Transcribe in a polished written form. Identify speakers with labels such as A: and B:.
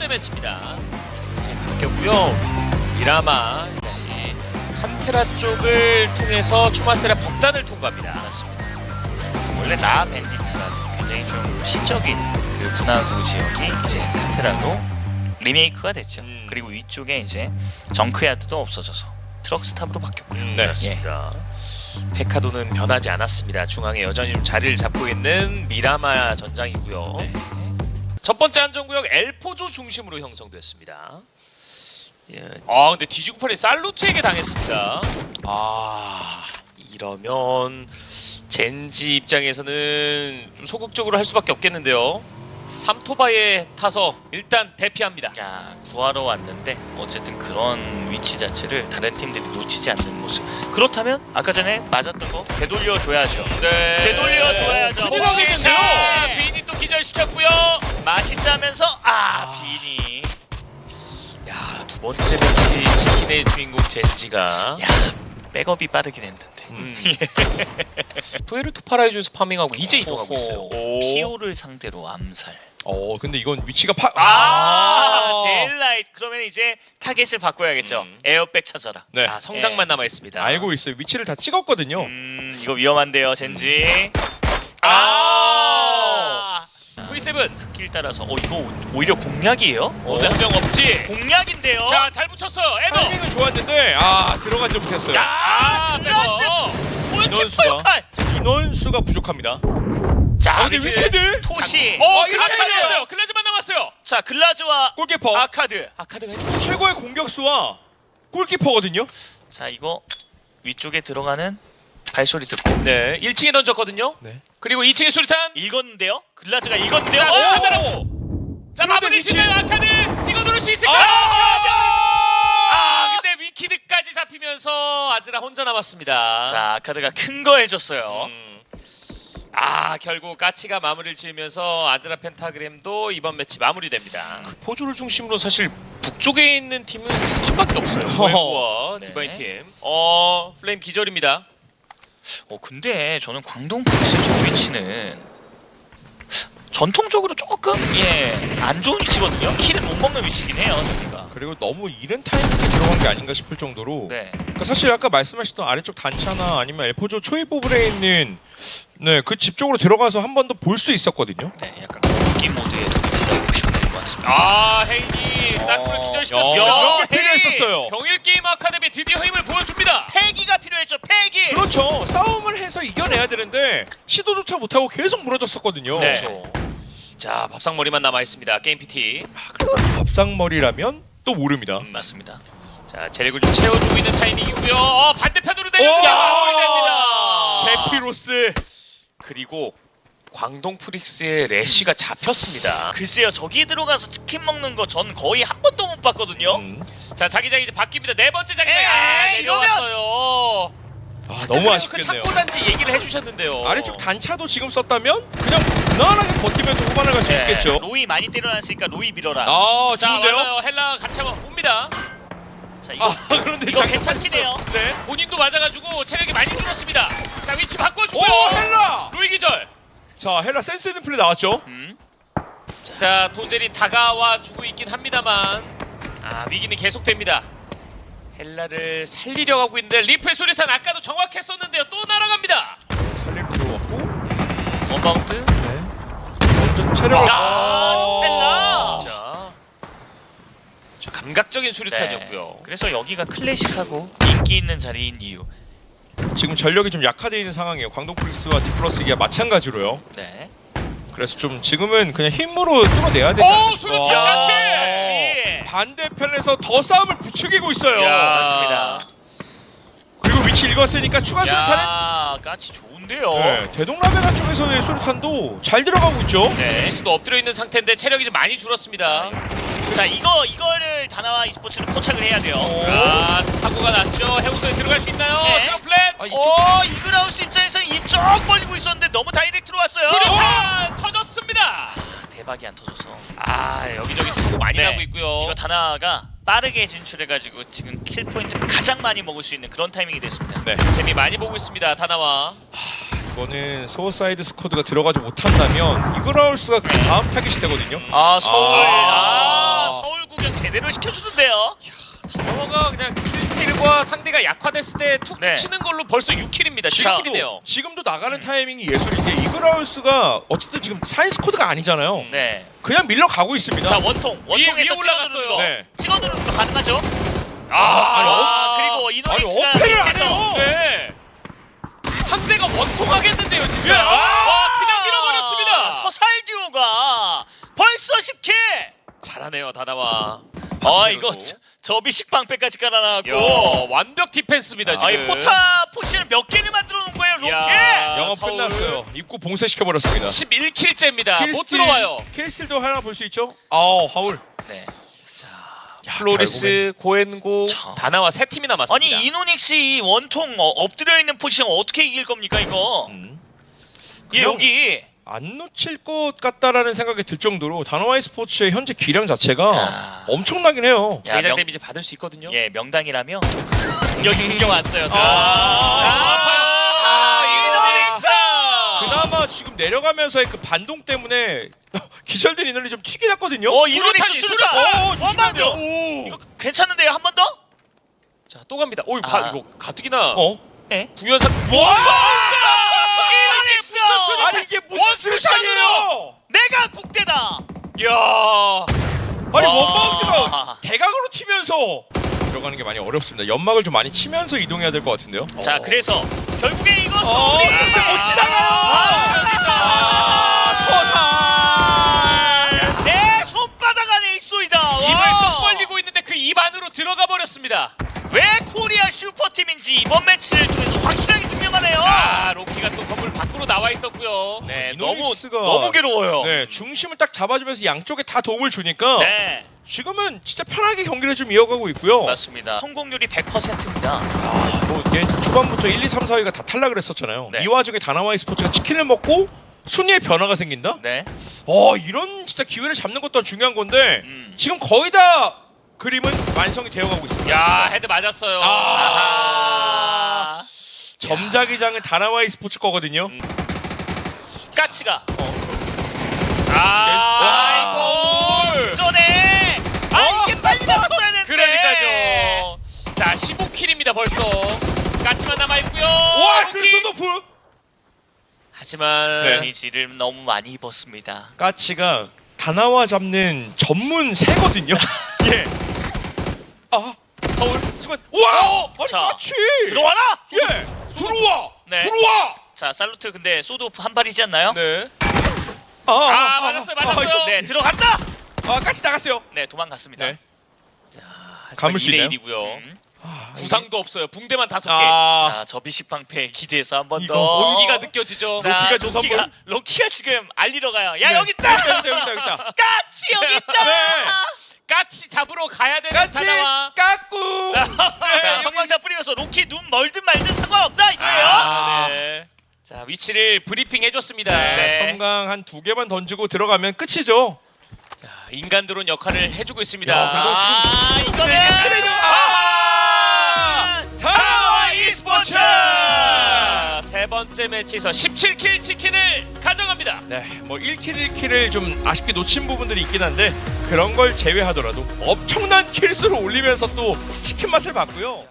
A: 번째 매치입니다. 바뀌었고요. 미라마 다시 칸테라 쪽을 통해서 추마세라 북단을 통과합니다.
B: 맞습니다. 원래 나 벤디타라는 굉장히 좀 시적인 그 분화구 지역이 이제 카테라로 리메이크가 됐죠. 그리고 위쪽에 이제 정크야드도 없어져서 트럭스탑으로 바뀌었고요.
A: 네, 그렇습니다. 페카도는 변하지 않았습니다. 중앙에 여전히 좀 자리를 잡고 있는 미라마 전장이고요.
B: 네.
A: 첫 번째 안전구역 엘포조 중심으로 형성됐습니다. 예. 근데 뒤지구팔이 살루트에게 당했습니다. 이러면 젠지 입장에서는 좀 소극적으로 할 수밖에 없겠는데요. 삼토바에 타서 일단 대피합니다.
B: 야, 구하러 왔는데 어쨌든 그런 위치 자체를 다른 팀들이 놓치지 않는 모습. 그렇다면 아까 전에 맞았던 거 되돌려 줘야죠.
A: 네.
B: 되돌려 줘야죠.
A: 혹시 자 비니 또 기절시켰고요.
B: 맛있다면서 비니.
A: 야, 두 번째 매치 치킨의 주인공 젠지가
B: 야, 백업이 빠르긴 했는데.
A: 푸에르토 파라이조에서 파밍하고 이제 이동하고 있어요.
B: 피오를 상대로 암살.
C: 근데 이건 위치가
B: 데일라이트. 그러면 이제 타겟을 바꿔야겠죠. 에어백 찾아라.
C: 네.
A: 성장만 남아 있습니다.
C: 알고 있어요. 위치를 다 찍었거든요.
B: 이거 위험한데요, 젠지.
A: V7
B: 길 따라서 이거 오히려 공략이에요?
A: 한명 없지.
B: 공략인데요.
A: 자, 잘 붙였어요. 에더.
C: 타이밍은 좋았는데 들어가지 못했어요.
B: 클라스 골키퍼
C: 인원수가.
B: 역할.
C: 인원수가 부족합니다.
A: 자,
C: 근데 위키드
B: 토시.
A: 아카드였어요. 클라즈만 남았어요.
B: 자, 글라즈와
C: 골키퍼
B: 아카드.
A: 아카드가 해주고.
C: 최고의 공격수와 골키퍼거든요.
B: 자, 이거 위쪽에 들어가는 발소리 듣고
A: 네, 1층에 던졌거든요.
C: 네.
A: 그리고 2층에 수류탄.
B: 읽었는데요. 글라즈가 읽었는데요.
A: 자, 수류탄 달았고. 자,
C: 그런데
A: 마무리
C: 위치.
A: 지면 아카드 찍어 누를 수 있을까? 근데 위키드까지 잡히면서 아즈라 혼자 남았습니다.
B: 자, 아카드가 큰 거 해줬어요.
A: 결국 까치가 마무리를 지으면서 아즈라 펜타그램도 이번 매치 마무리됩니다. 포조를 중심으로 사실 북쪽에 있는 팀은 두 팀밖에 없어요. 고에고와
B: 네.
A: 디바인 팀. 플레임 기절입니다.
B: 근데 저는 광동 프릭스 저 위치는 전통적으로 조금 안 좋은 위치거든요. 킬을 못 먹는 위치긴 해요, 저기가.
C: 그리고 너무 이른 타이밍에 들어간 게 아닌가 싶을 정도로
B: 네.
C: 그러니까 사실 아까 말씀하셨던 아래쪽 단차나 아니면 엘포조 초이포블에 있는 그 집 쪽으로 들어가서 한 번 더 볼 수 있었거든요.
B: 네, 약간 공기 모드에 되게 부담보시면 될 것 같습니다.
A: 헤인이 땅굴을
C: 야,
A: 기절시켰습니다.
C: 이런 게 필요했었어요.
A: 경일 게임 아카데미 드디어 힘을 보여줍니다.
B: 패기가 필요했죠, 패기!
C: 그렇죠. 싸움을 해서 이겨내야 되는데 시도조차 못하고 계속 무너졌었거든요.
B: 네.
A: 그렇죠. 자, 밥상머리만 남아 있습니다. 게임 PT.
C: 그리고 밥상머리라면 또 모릅니다.
B: 맞습니다.
A: 자, 체력을 좀 채워주고 있는 타이밍이고요. 반대편으로 내려옵니다. 마무리됩니다.
C: 제피로스.
A: 그리고 광동 프릭스의 래쉬가 잡혔습니다.
B: 글쎄요, 저기 들어가서 치킨 먹는 거 전 거의 한 번도 못 봤거든요.
A: 자, 자기장이 이제 바뀝니다. 네 번째 자기장.
B: 이러면-
A: 내려왔어요.
C: 너무
A: 그
C: 아쉽겠네요.
A: 창고 단지 얘기를 해주셨는데요.
C: 아래쪽 단차도 지금 썼다면 그냥 무난하게 버티면서 후반을 갈 수 있겠죠.
B: 로이 많이 때려놨으니까 로이 밀어라.
A: 자,
C: 좋은데요?
A: 맞아요. 헬라 같이 한번 봅니다.
B: 자, 이거
C: 그런데
B: 이거
C: 잠깐
B: 괜찮긴 해요.
C: 네.
A: 본인도 맞아가지고 체력이 많이 줄었습니다. 자, 위치 바꿔주고요.
C: 헬라.
A: 로이 기절.
C: 자, 헬라 센스 있는 플레이 나왔죠.
A: 자, 도젤이 다가와 주고 있긴 합니다만 위기는 계속됩니다. 헬라를 살리려고 하고 있는데 리프의 수류탄 아까도 정확했었는데요. 또 날아갑니다.
C: 살릴 필요 없고.
B: 원바운드.
C: 네. 체력을.
B: 스텔라.
A: 진짜 저 감각적인 수류탄이었고요.
B: 그래서 여기가 클래식하고 인기 있는 자리인 이유.
C: 지금 전력이 좀 약화되어 있는 상황이에요. 광동 프릭스와 디플러스기가 마찬가지로요.
B: 네.
C: 그래서 좀 지금은 그냥 힘으로 뚫어내야 되지 않을까
A: 수류탄
C: 싶어요.
A: 같이.
C: 반대편에서 더 싸움을 부추기고 있어요.
B: 맞습니다.
C: 그리고 위치 읽었으니까 추가 수류탄은
B: 까치 좋은데요.
C: 네, 대동라베나 쪽에서의 수류탄도 잘 들어가고 있죠.
B: 네.
A: 에이스도 엎드려 있는 상태인데 체력이 좀 많이 줄었습니다.
B: 자, 이거를 다나와 e스포츠는 포착을 해야 돼요.
A: 사고가 났죠. 해우소에 들어갈 수 있나요?
B: 네.
A: 트럼플렛.
B: 이글하우스 입장에서 입 쭉 벌리고 있었는데 너무 다이렉트로 왔어요.
A: 수류탄 터졌습니다.
B: 대박이 안 터져서.
A: 여기저기 사고 많이
B: 네.
A: 나고 있고요.
B: 이거 다나와가 빠르게 진출해가지고 지금 킬 포인트 가장 많이 먹을 수 있는 그런 타이밍이 됐습니다.
C: 네.
A: 재미 많이 보고 있습니다. 다나와.
C: 이거는 소어사이드 스쿼드가 들어가지 못한다면 이글하우스가 그 다음 타깃이 되거든요.
B: 서울. 제대로 시켜주는데요.
A: 다나와가 그냥 킬스틸과 상대가 약화됐을 때 툭툭
B: 네.
A: 치는 걸로 벌써 6킬입니다.
B: 자,
A: 7킬이네요.
C: 지금도 나가는 타이밍이 예술인데 이글하우스가 어쨌든 지금 사이언스 코드가 아니잖아요.
B: 네.
C: 그냥 밀러 가고 있습니다.
B: 자 원통에서
A: 위에 올라갔어요.
B: 거.
C: 네.
B: 찍어두는 거 가능하죠?
A: 아,
B: 그리고
C: 아니
B: 이노닉스가
C: 어패를 안
B: 밑에서
C: 해요.
A: 네. 상대가 원통하겠는데요, 진짜.
C: 예,
A: 와, 그냥 밀어버렸습니다.
B: 서살 듀오가 벌써 10킬.
A: 잘하네요, 다나와.
B: 이거 저비식 방패까지 깔아놨고.
A: 야, 완벽 디펜스입니다, 지금.
B: 이 포탑 포지션을 몇 개를 만들어 놓은 거예요, 로켓?
A: 야,
C: 영업
A: 서울
C: 끝났어요. 입구 봉쇄시켜 버렸습니다.
A: 11킬째입니다. 못 들어와요.
C: 킬스틸도 하나 볼 수 있죠? 아우 하울.
B: 네.
C: 야,
A: 플로리스, 고엔고,
B: 자.
A: 다나와 세 팀이 남았습니다.
B: 아니 이노닉스 이 원통 엎드려 있는 포지션 어떻게 이길 겁니까 이거? 예,
C: 그냥-
B: 여기
C: 안 놓칠 것 같다라는 생각이 들 정도로 다나와이 스포츠의 현재 기량 자체가
B: 아.
C: 엄청나긴 해요.
B: 자,
A: 대장
B: 명-
A: 데미지 받을 수 있거든요.
B: 예 명당이라며 여기 구경 왔어요. 이노닉스.
C: 그나마 지금 내려가면서의 그 반동 때문에 기절된 인원이 좀 튀긴 했거든요.
B: 이노닉스 수류탄.
C: 조심해야 돼요.
B: 이거 괜찮은데요 한 번 더?
A: 자, 또 갑니다. 오,
B: 아.
A: 이거 가뜩이나
C: 어?
B: 네.
A: 부연상.
B: 이노닉스.
C: 아니 이게 무슨 수류탄이에요?
B: 내가 국대다.
A: 야,
C: 아니
B: 와.
C: 원바운드가 대각으로 튀면서 들어가는 게 많이 어렵습니다. 연막을 좀 많이 치면서 이동해야 될 것 같은데요.
B: 자 그래서 결국에 이거
C: 근데 못 지나가. 서사.
B: 내 손바닥 안에 있소이다.
A: 입을
B: 와.
A: 뚝 벌리고 있는데 그 입 안으로 들어가 버렸습니다.
B: 왜 코리아 슈퍼팀인지 이번 매치를 통해서 확실하게 증명하네요.
A: 아, 로키가 또 건물 밖으로 나와 있었고요.
B: 네,
C: 이노닉스가-
B: 너무 괴로워요.
C: 네, 중심을 딱 잡아주면서 양쪽에 다 도움을 주니까
B: 네,
C: 지금은 진짜 편하게 경기를 좀 이어가고 있고요.
B: 맞습니다. 성공률이 100%입니다.
C: 뭐 이게 초반부터 1, 2, 3, 4위가 다 탈락을 했었잖아요.
B: 네.
C: 이 와중에 다나와이 스포츠가 치킨을 먹고 순위의 변화가 생긴다?
B: 네,
C: 이런 진짜 기회를 잡는 것도 중요한 건데 지금 거의 다 그림은 완성이 되어가고 있습니다.
A: 야, 헤드 맞았어요.
B: 아하.
C: 점자기장은 다나와이 스포츠 거거든요.
B: 까치가.
A: 나이스.
B: 전에. 이게 빨리 나왔어야 되는데.
A: 그러니까요. 자, 15킬입니다 벌써. 까치만 남아 있고요.
C: 와,
A: 로키.
C: 크리스토프!
A: 하지만
B: 데미지를 너무 많이 입었습니다.
C: 까치가 다나와 잡는 전문 새거든요. 예.
A: 서울.
C: 순간 와! 아니
B: 자,
C: 까치!
B: 들어와라.
C: 예! 들어와!
B: 네.
C: 들어와!
B: 자, 살루트 근데 소드오프 한 발이지 않나요?
A: 네.
C: 아,
A: 맞았어요.
B: 네, 들어간다.
C: 까치 나갔어요.
B: 네, 도망갔습니다.
C: 네.
A: 하지만
C: 감을 수 있나요?
A: 2대1이고요.
B: 음.
A: 구상도 없어요. 붕대만 5개.
B: 자, 저비식 방패 기대해서 한 번
C: 이거
B: 더.
A: 온기가 느껴지죠.
B: 자,
C: 로키가 좀 선물?
B: 로키가 지금 알리러 가요. 야,
C: 네.
B: 여기 있다.
C: 여기 있다.
B: 까치 여기 있다.
C: 네.
A: 까치 잡으러 가야 되는
C: 까치
A: 다나와.
C: 까꿍.
B: 자, 성광자 뿌리면서 로키 눈 멀든 말든 상관없다 이거예요.
A: 네. 자, 위치를 브리핑 해줬습니다.
B: 네.
C: 성강 한 2개만 던지고 들어가면 끝이죠.
A: 자, 인간 드론 역할을 해주고 있습니다.
C: 야, 그래도
B: 이거는
C: 다나와 e스포츠!
A: 자, 세 번째 매치에서 17킬 치킨을 가져갑니다.
C: 네, 뭐 1킬 1킬을 좀 아쉽게 놓친 부분들이 있긴 한데 그런 걸 제외하더라도 엄청난 킬수를 올리면서 또 치킨 맛을 봤고요.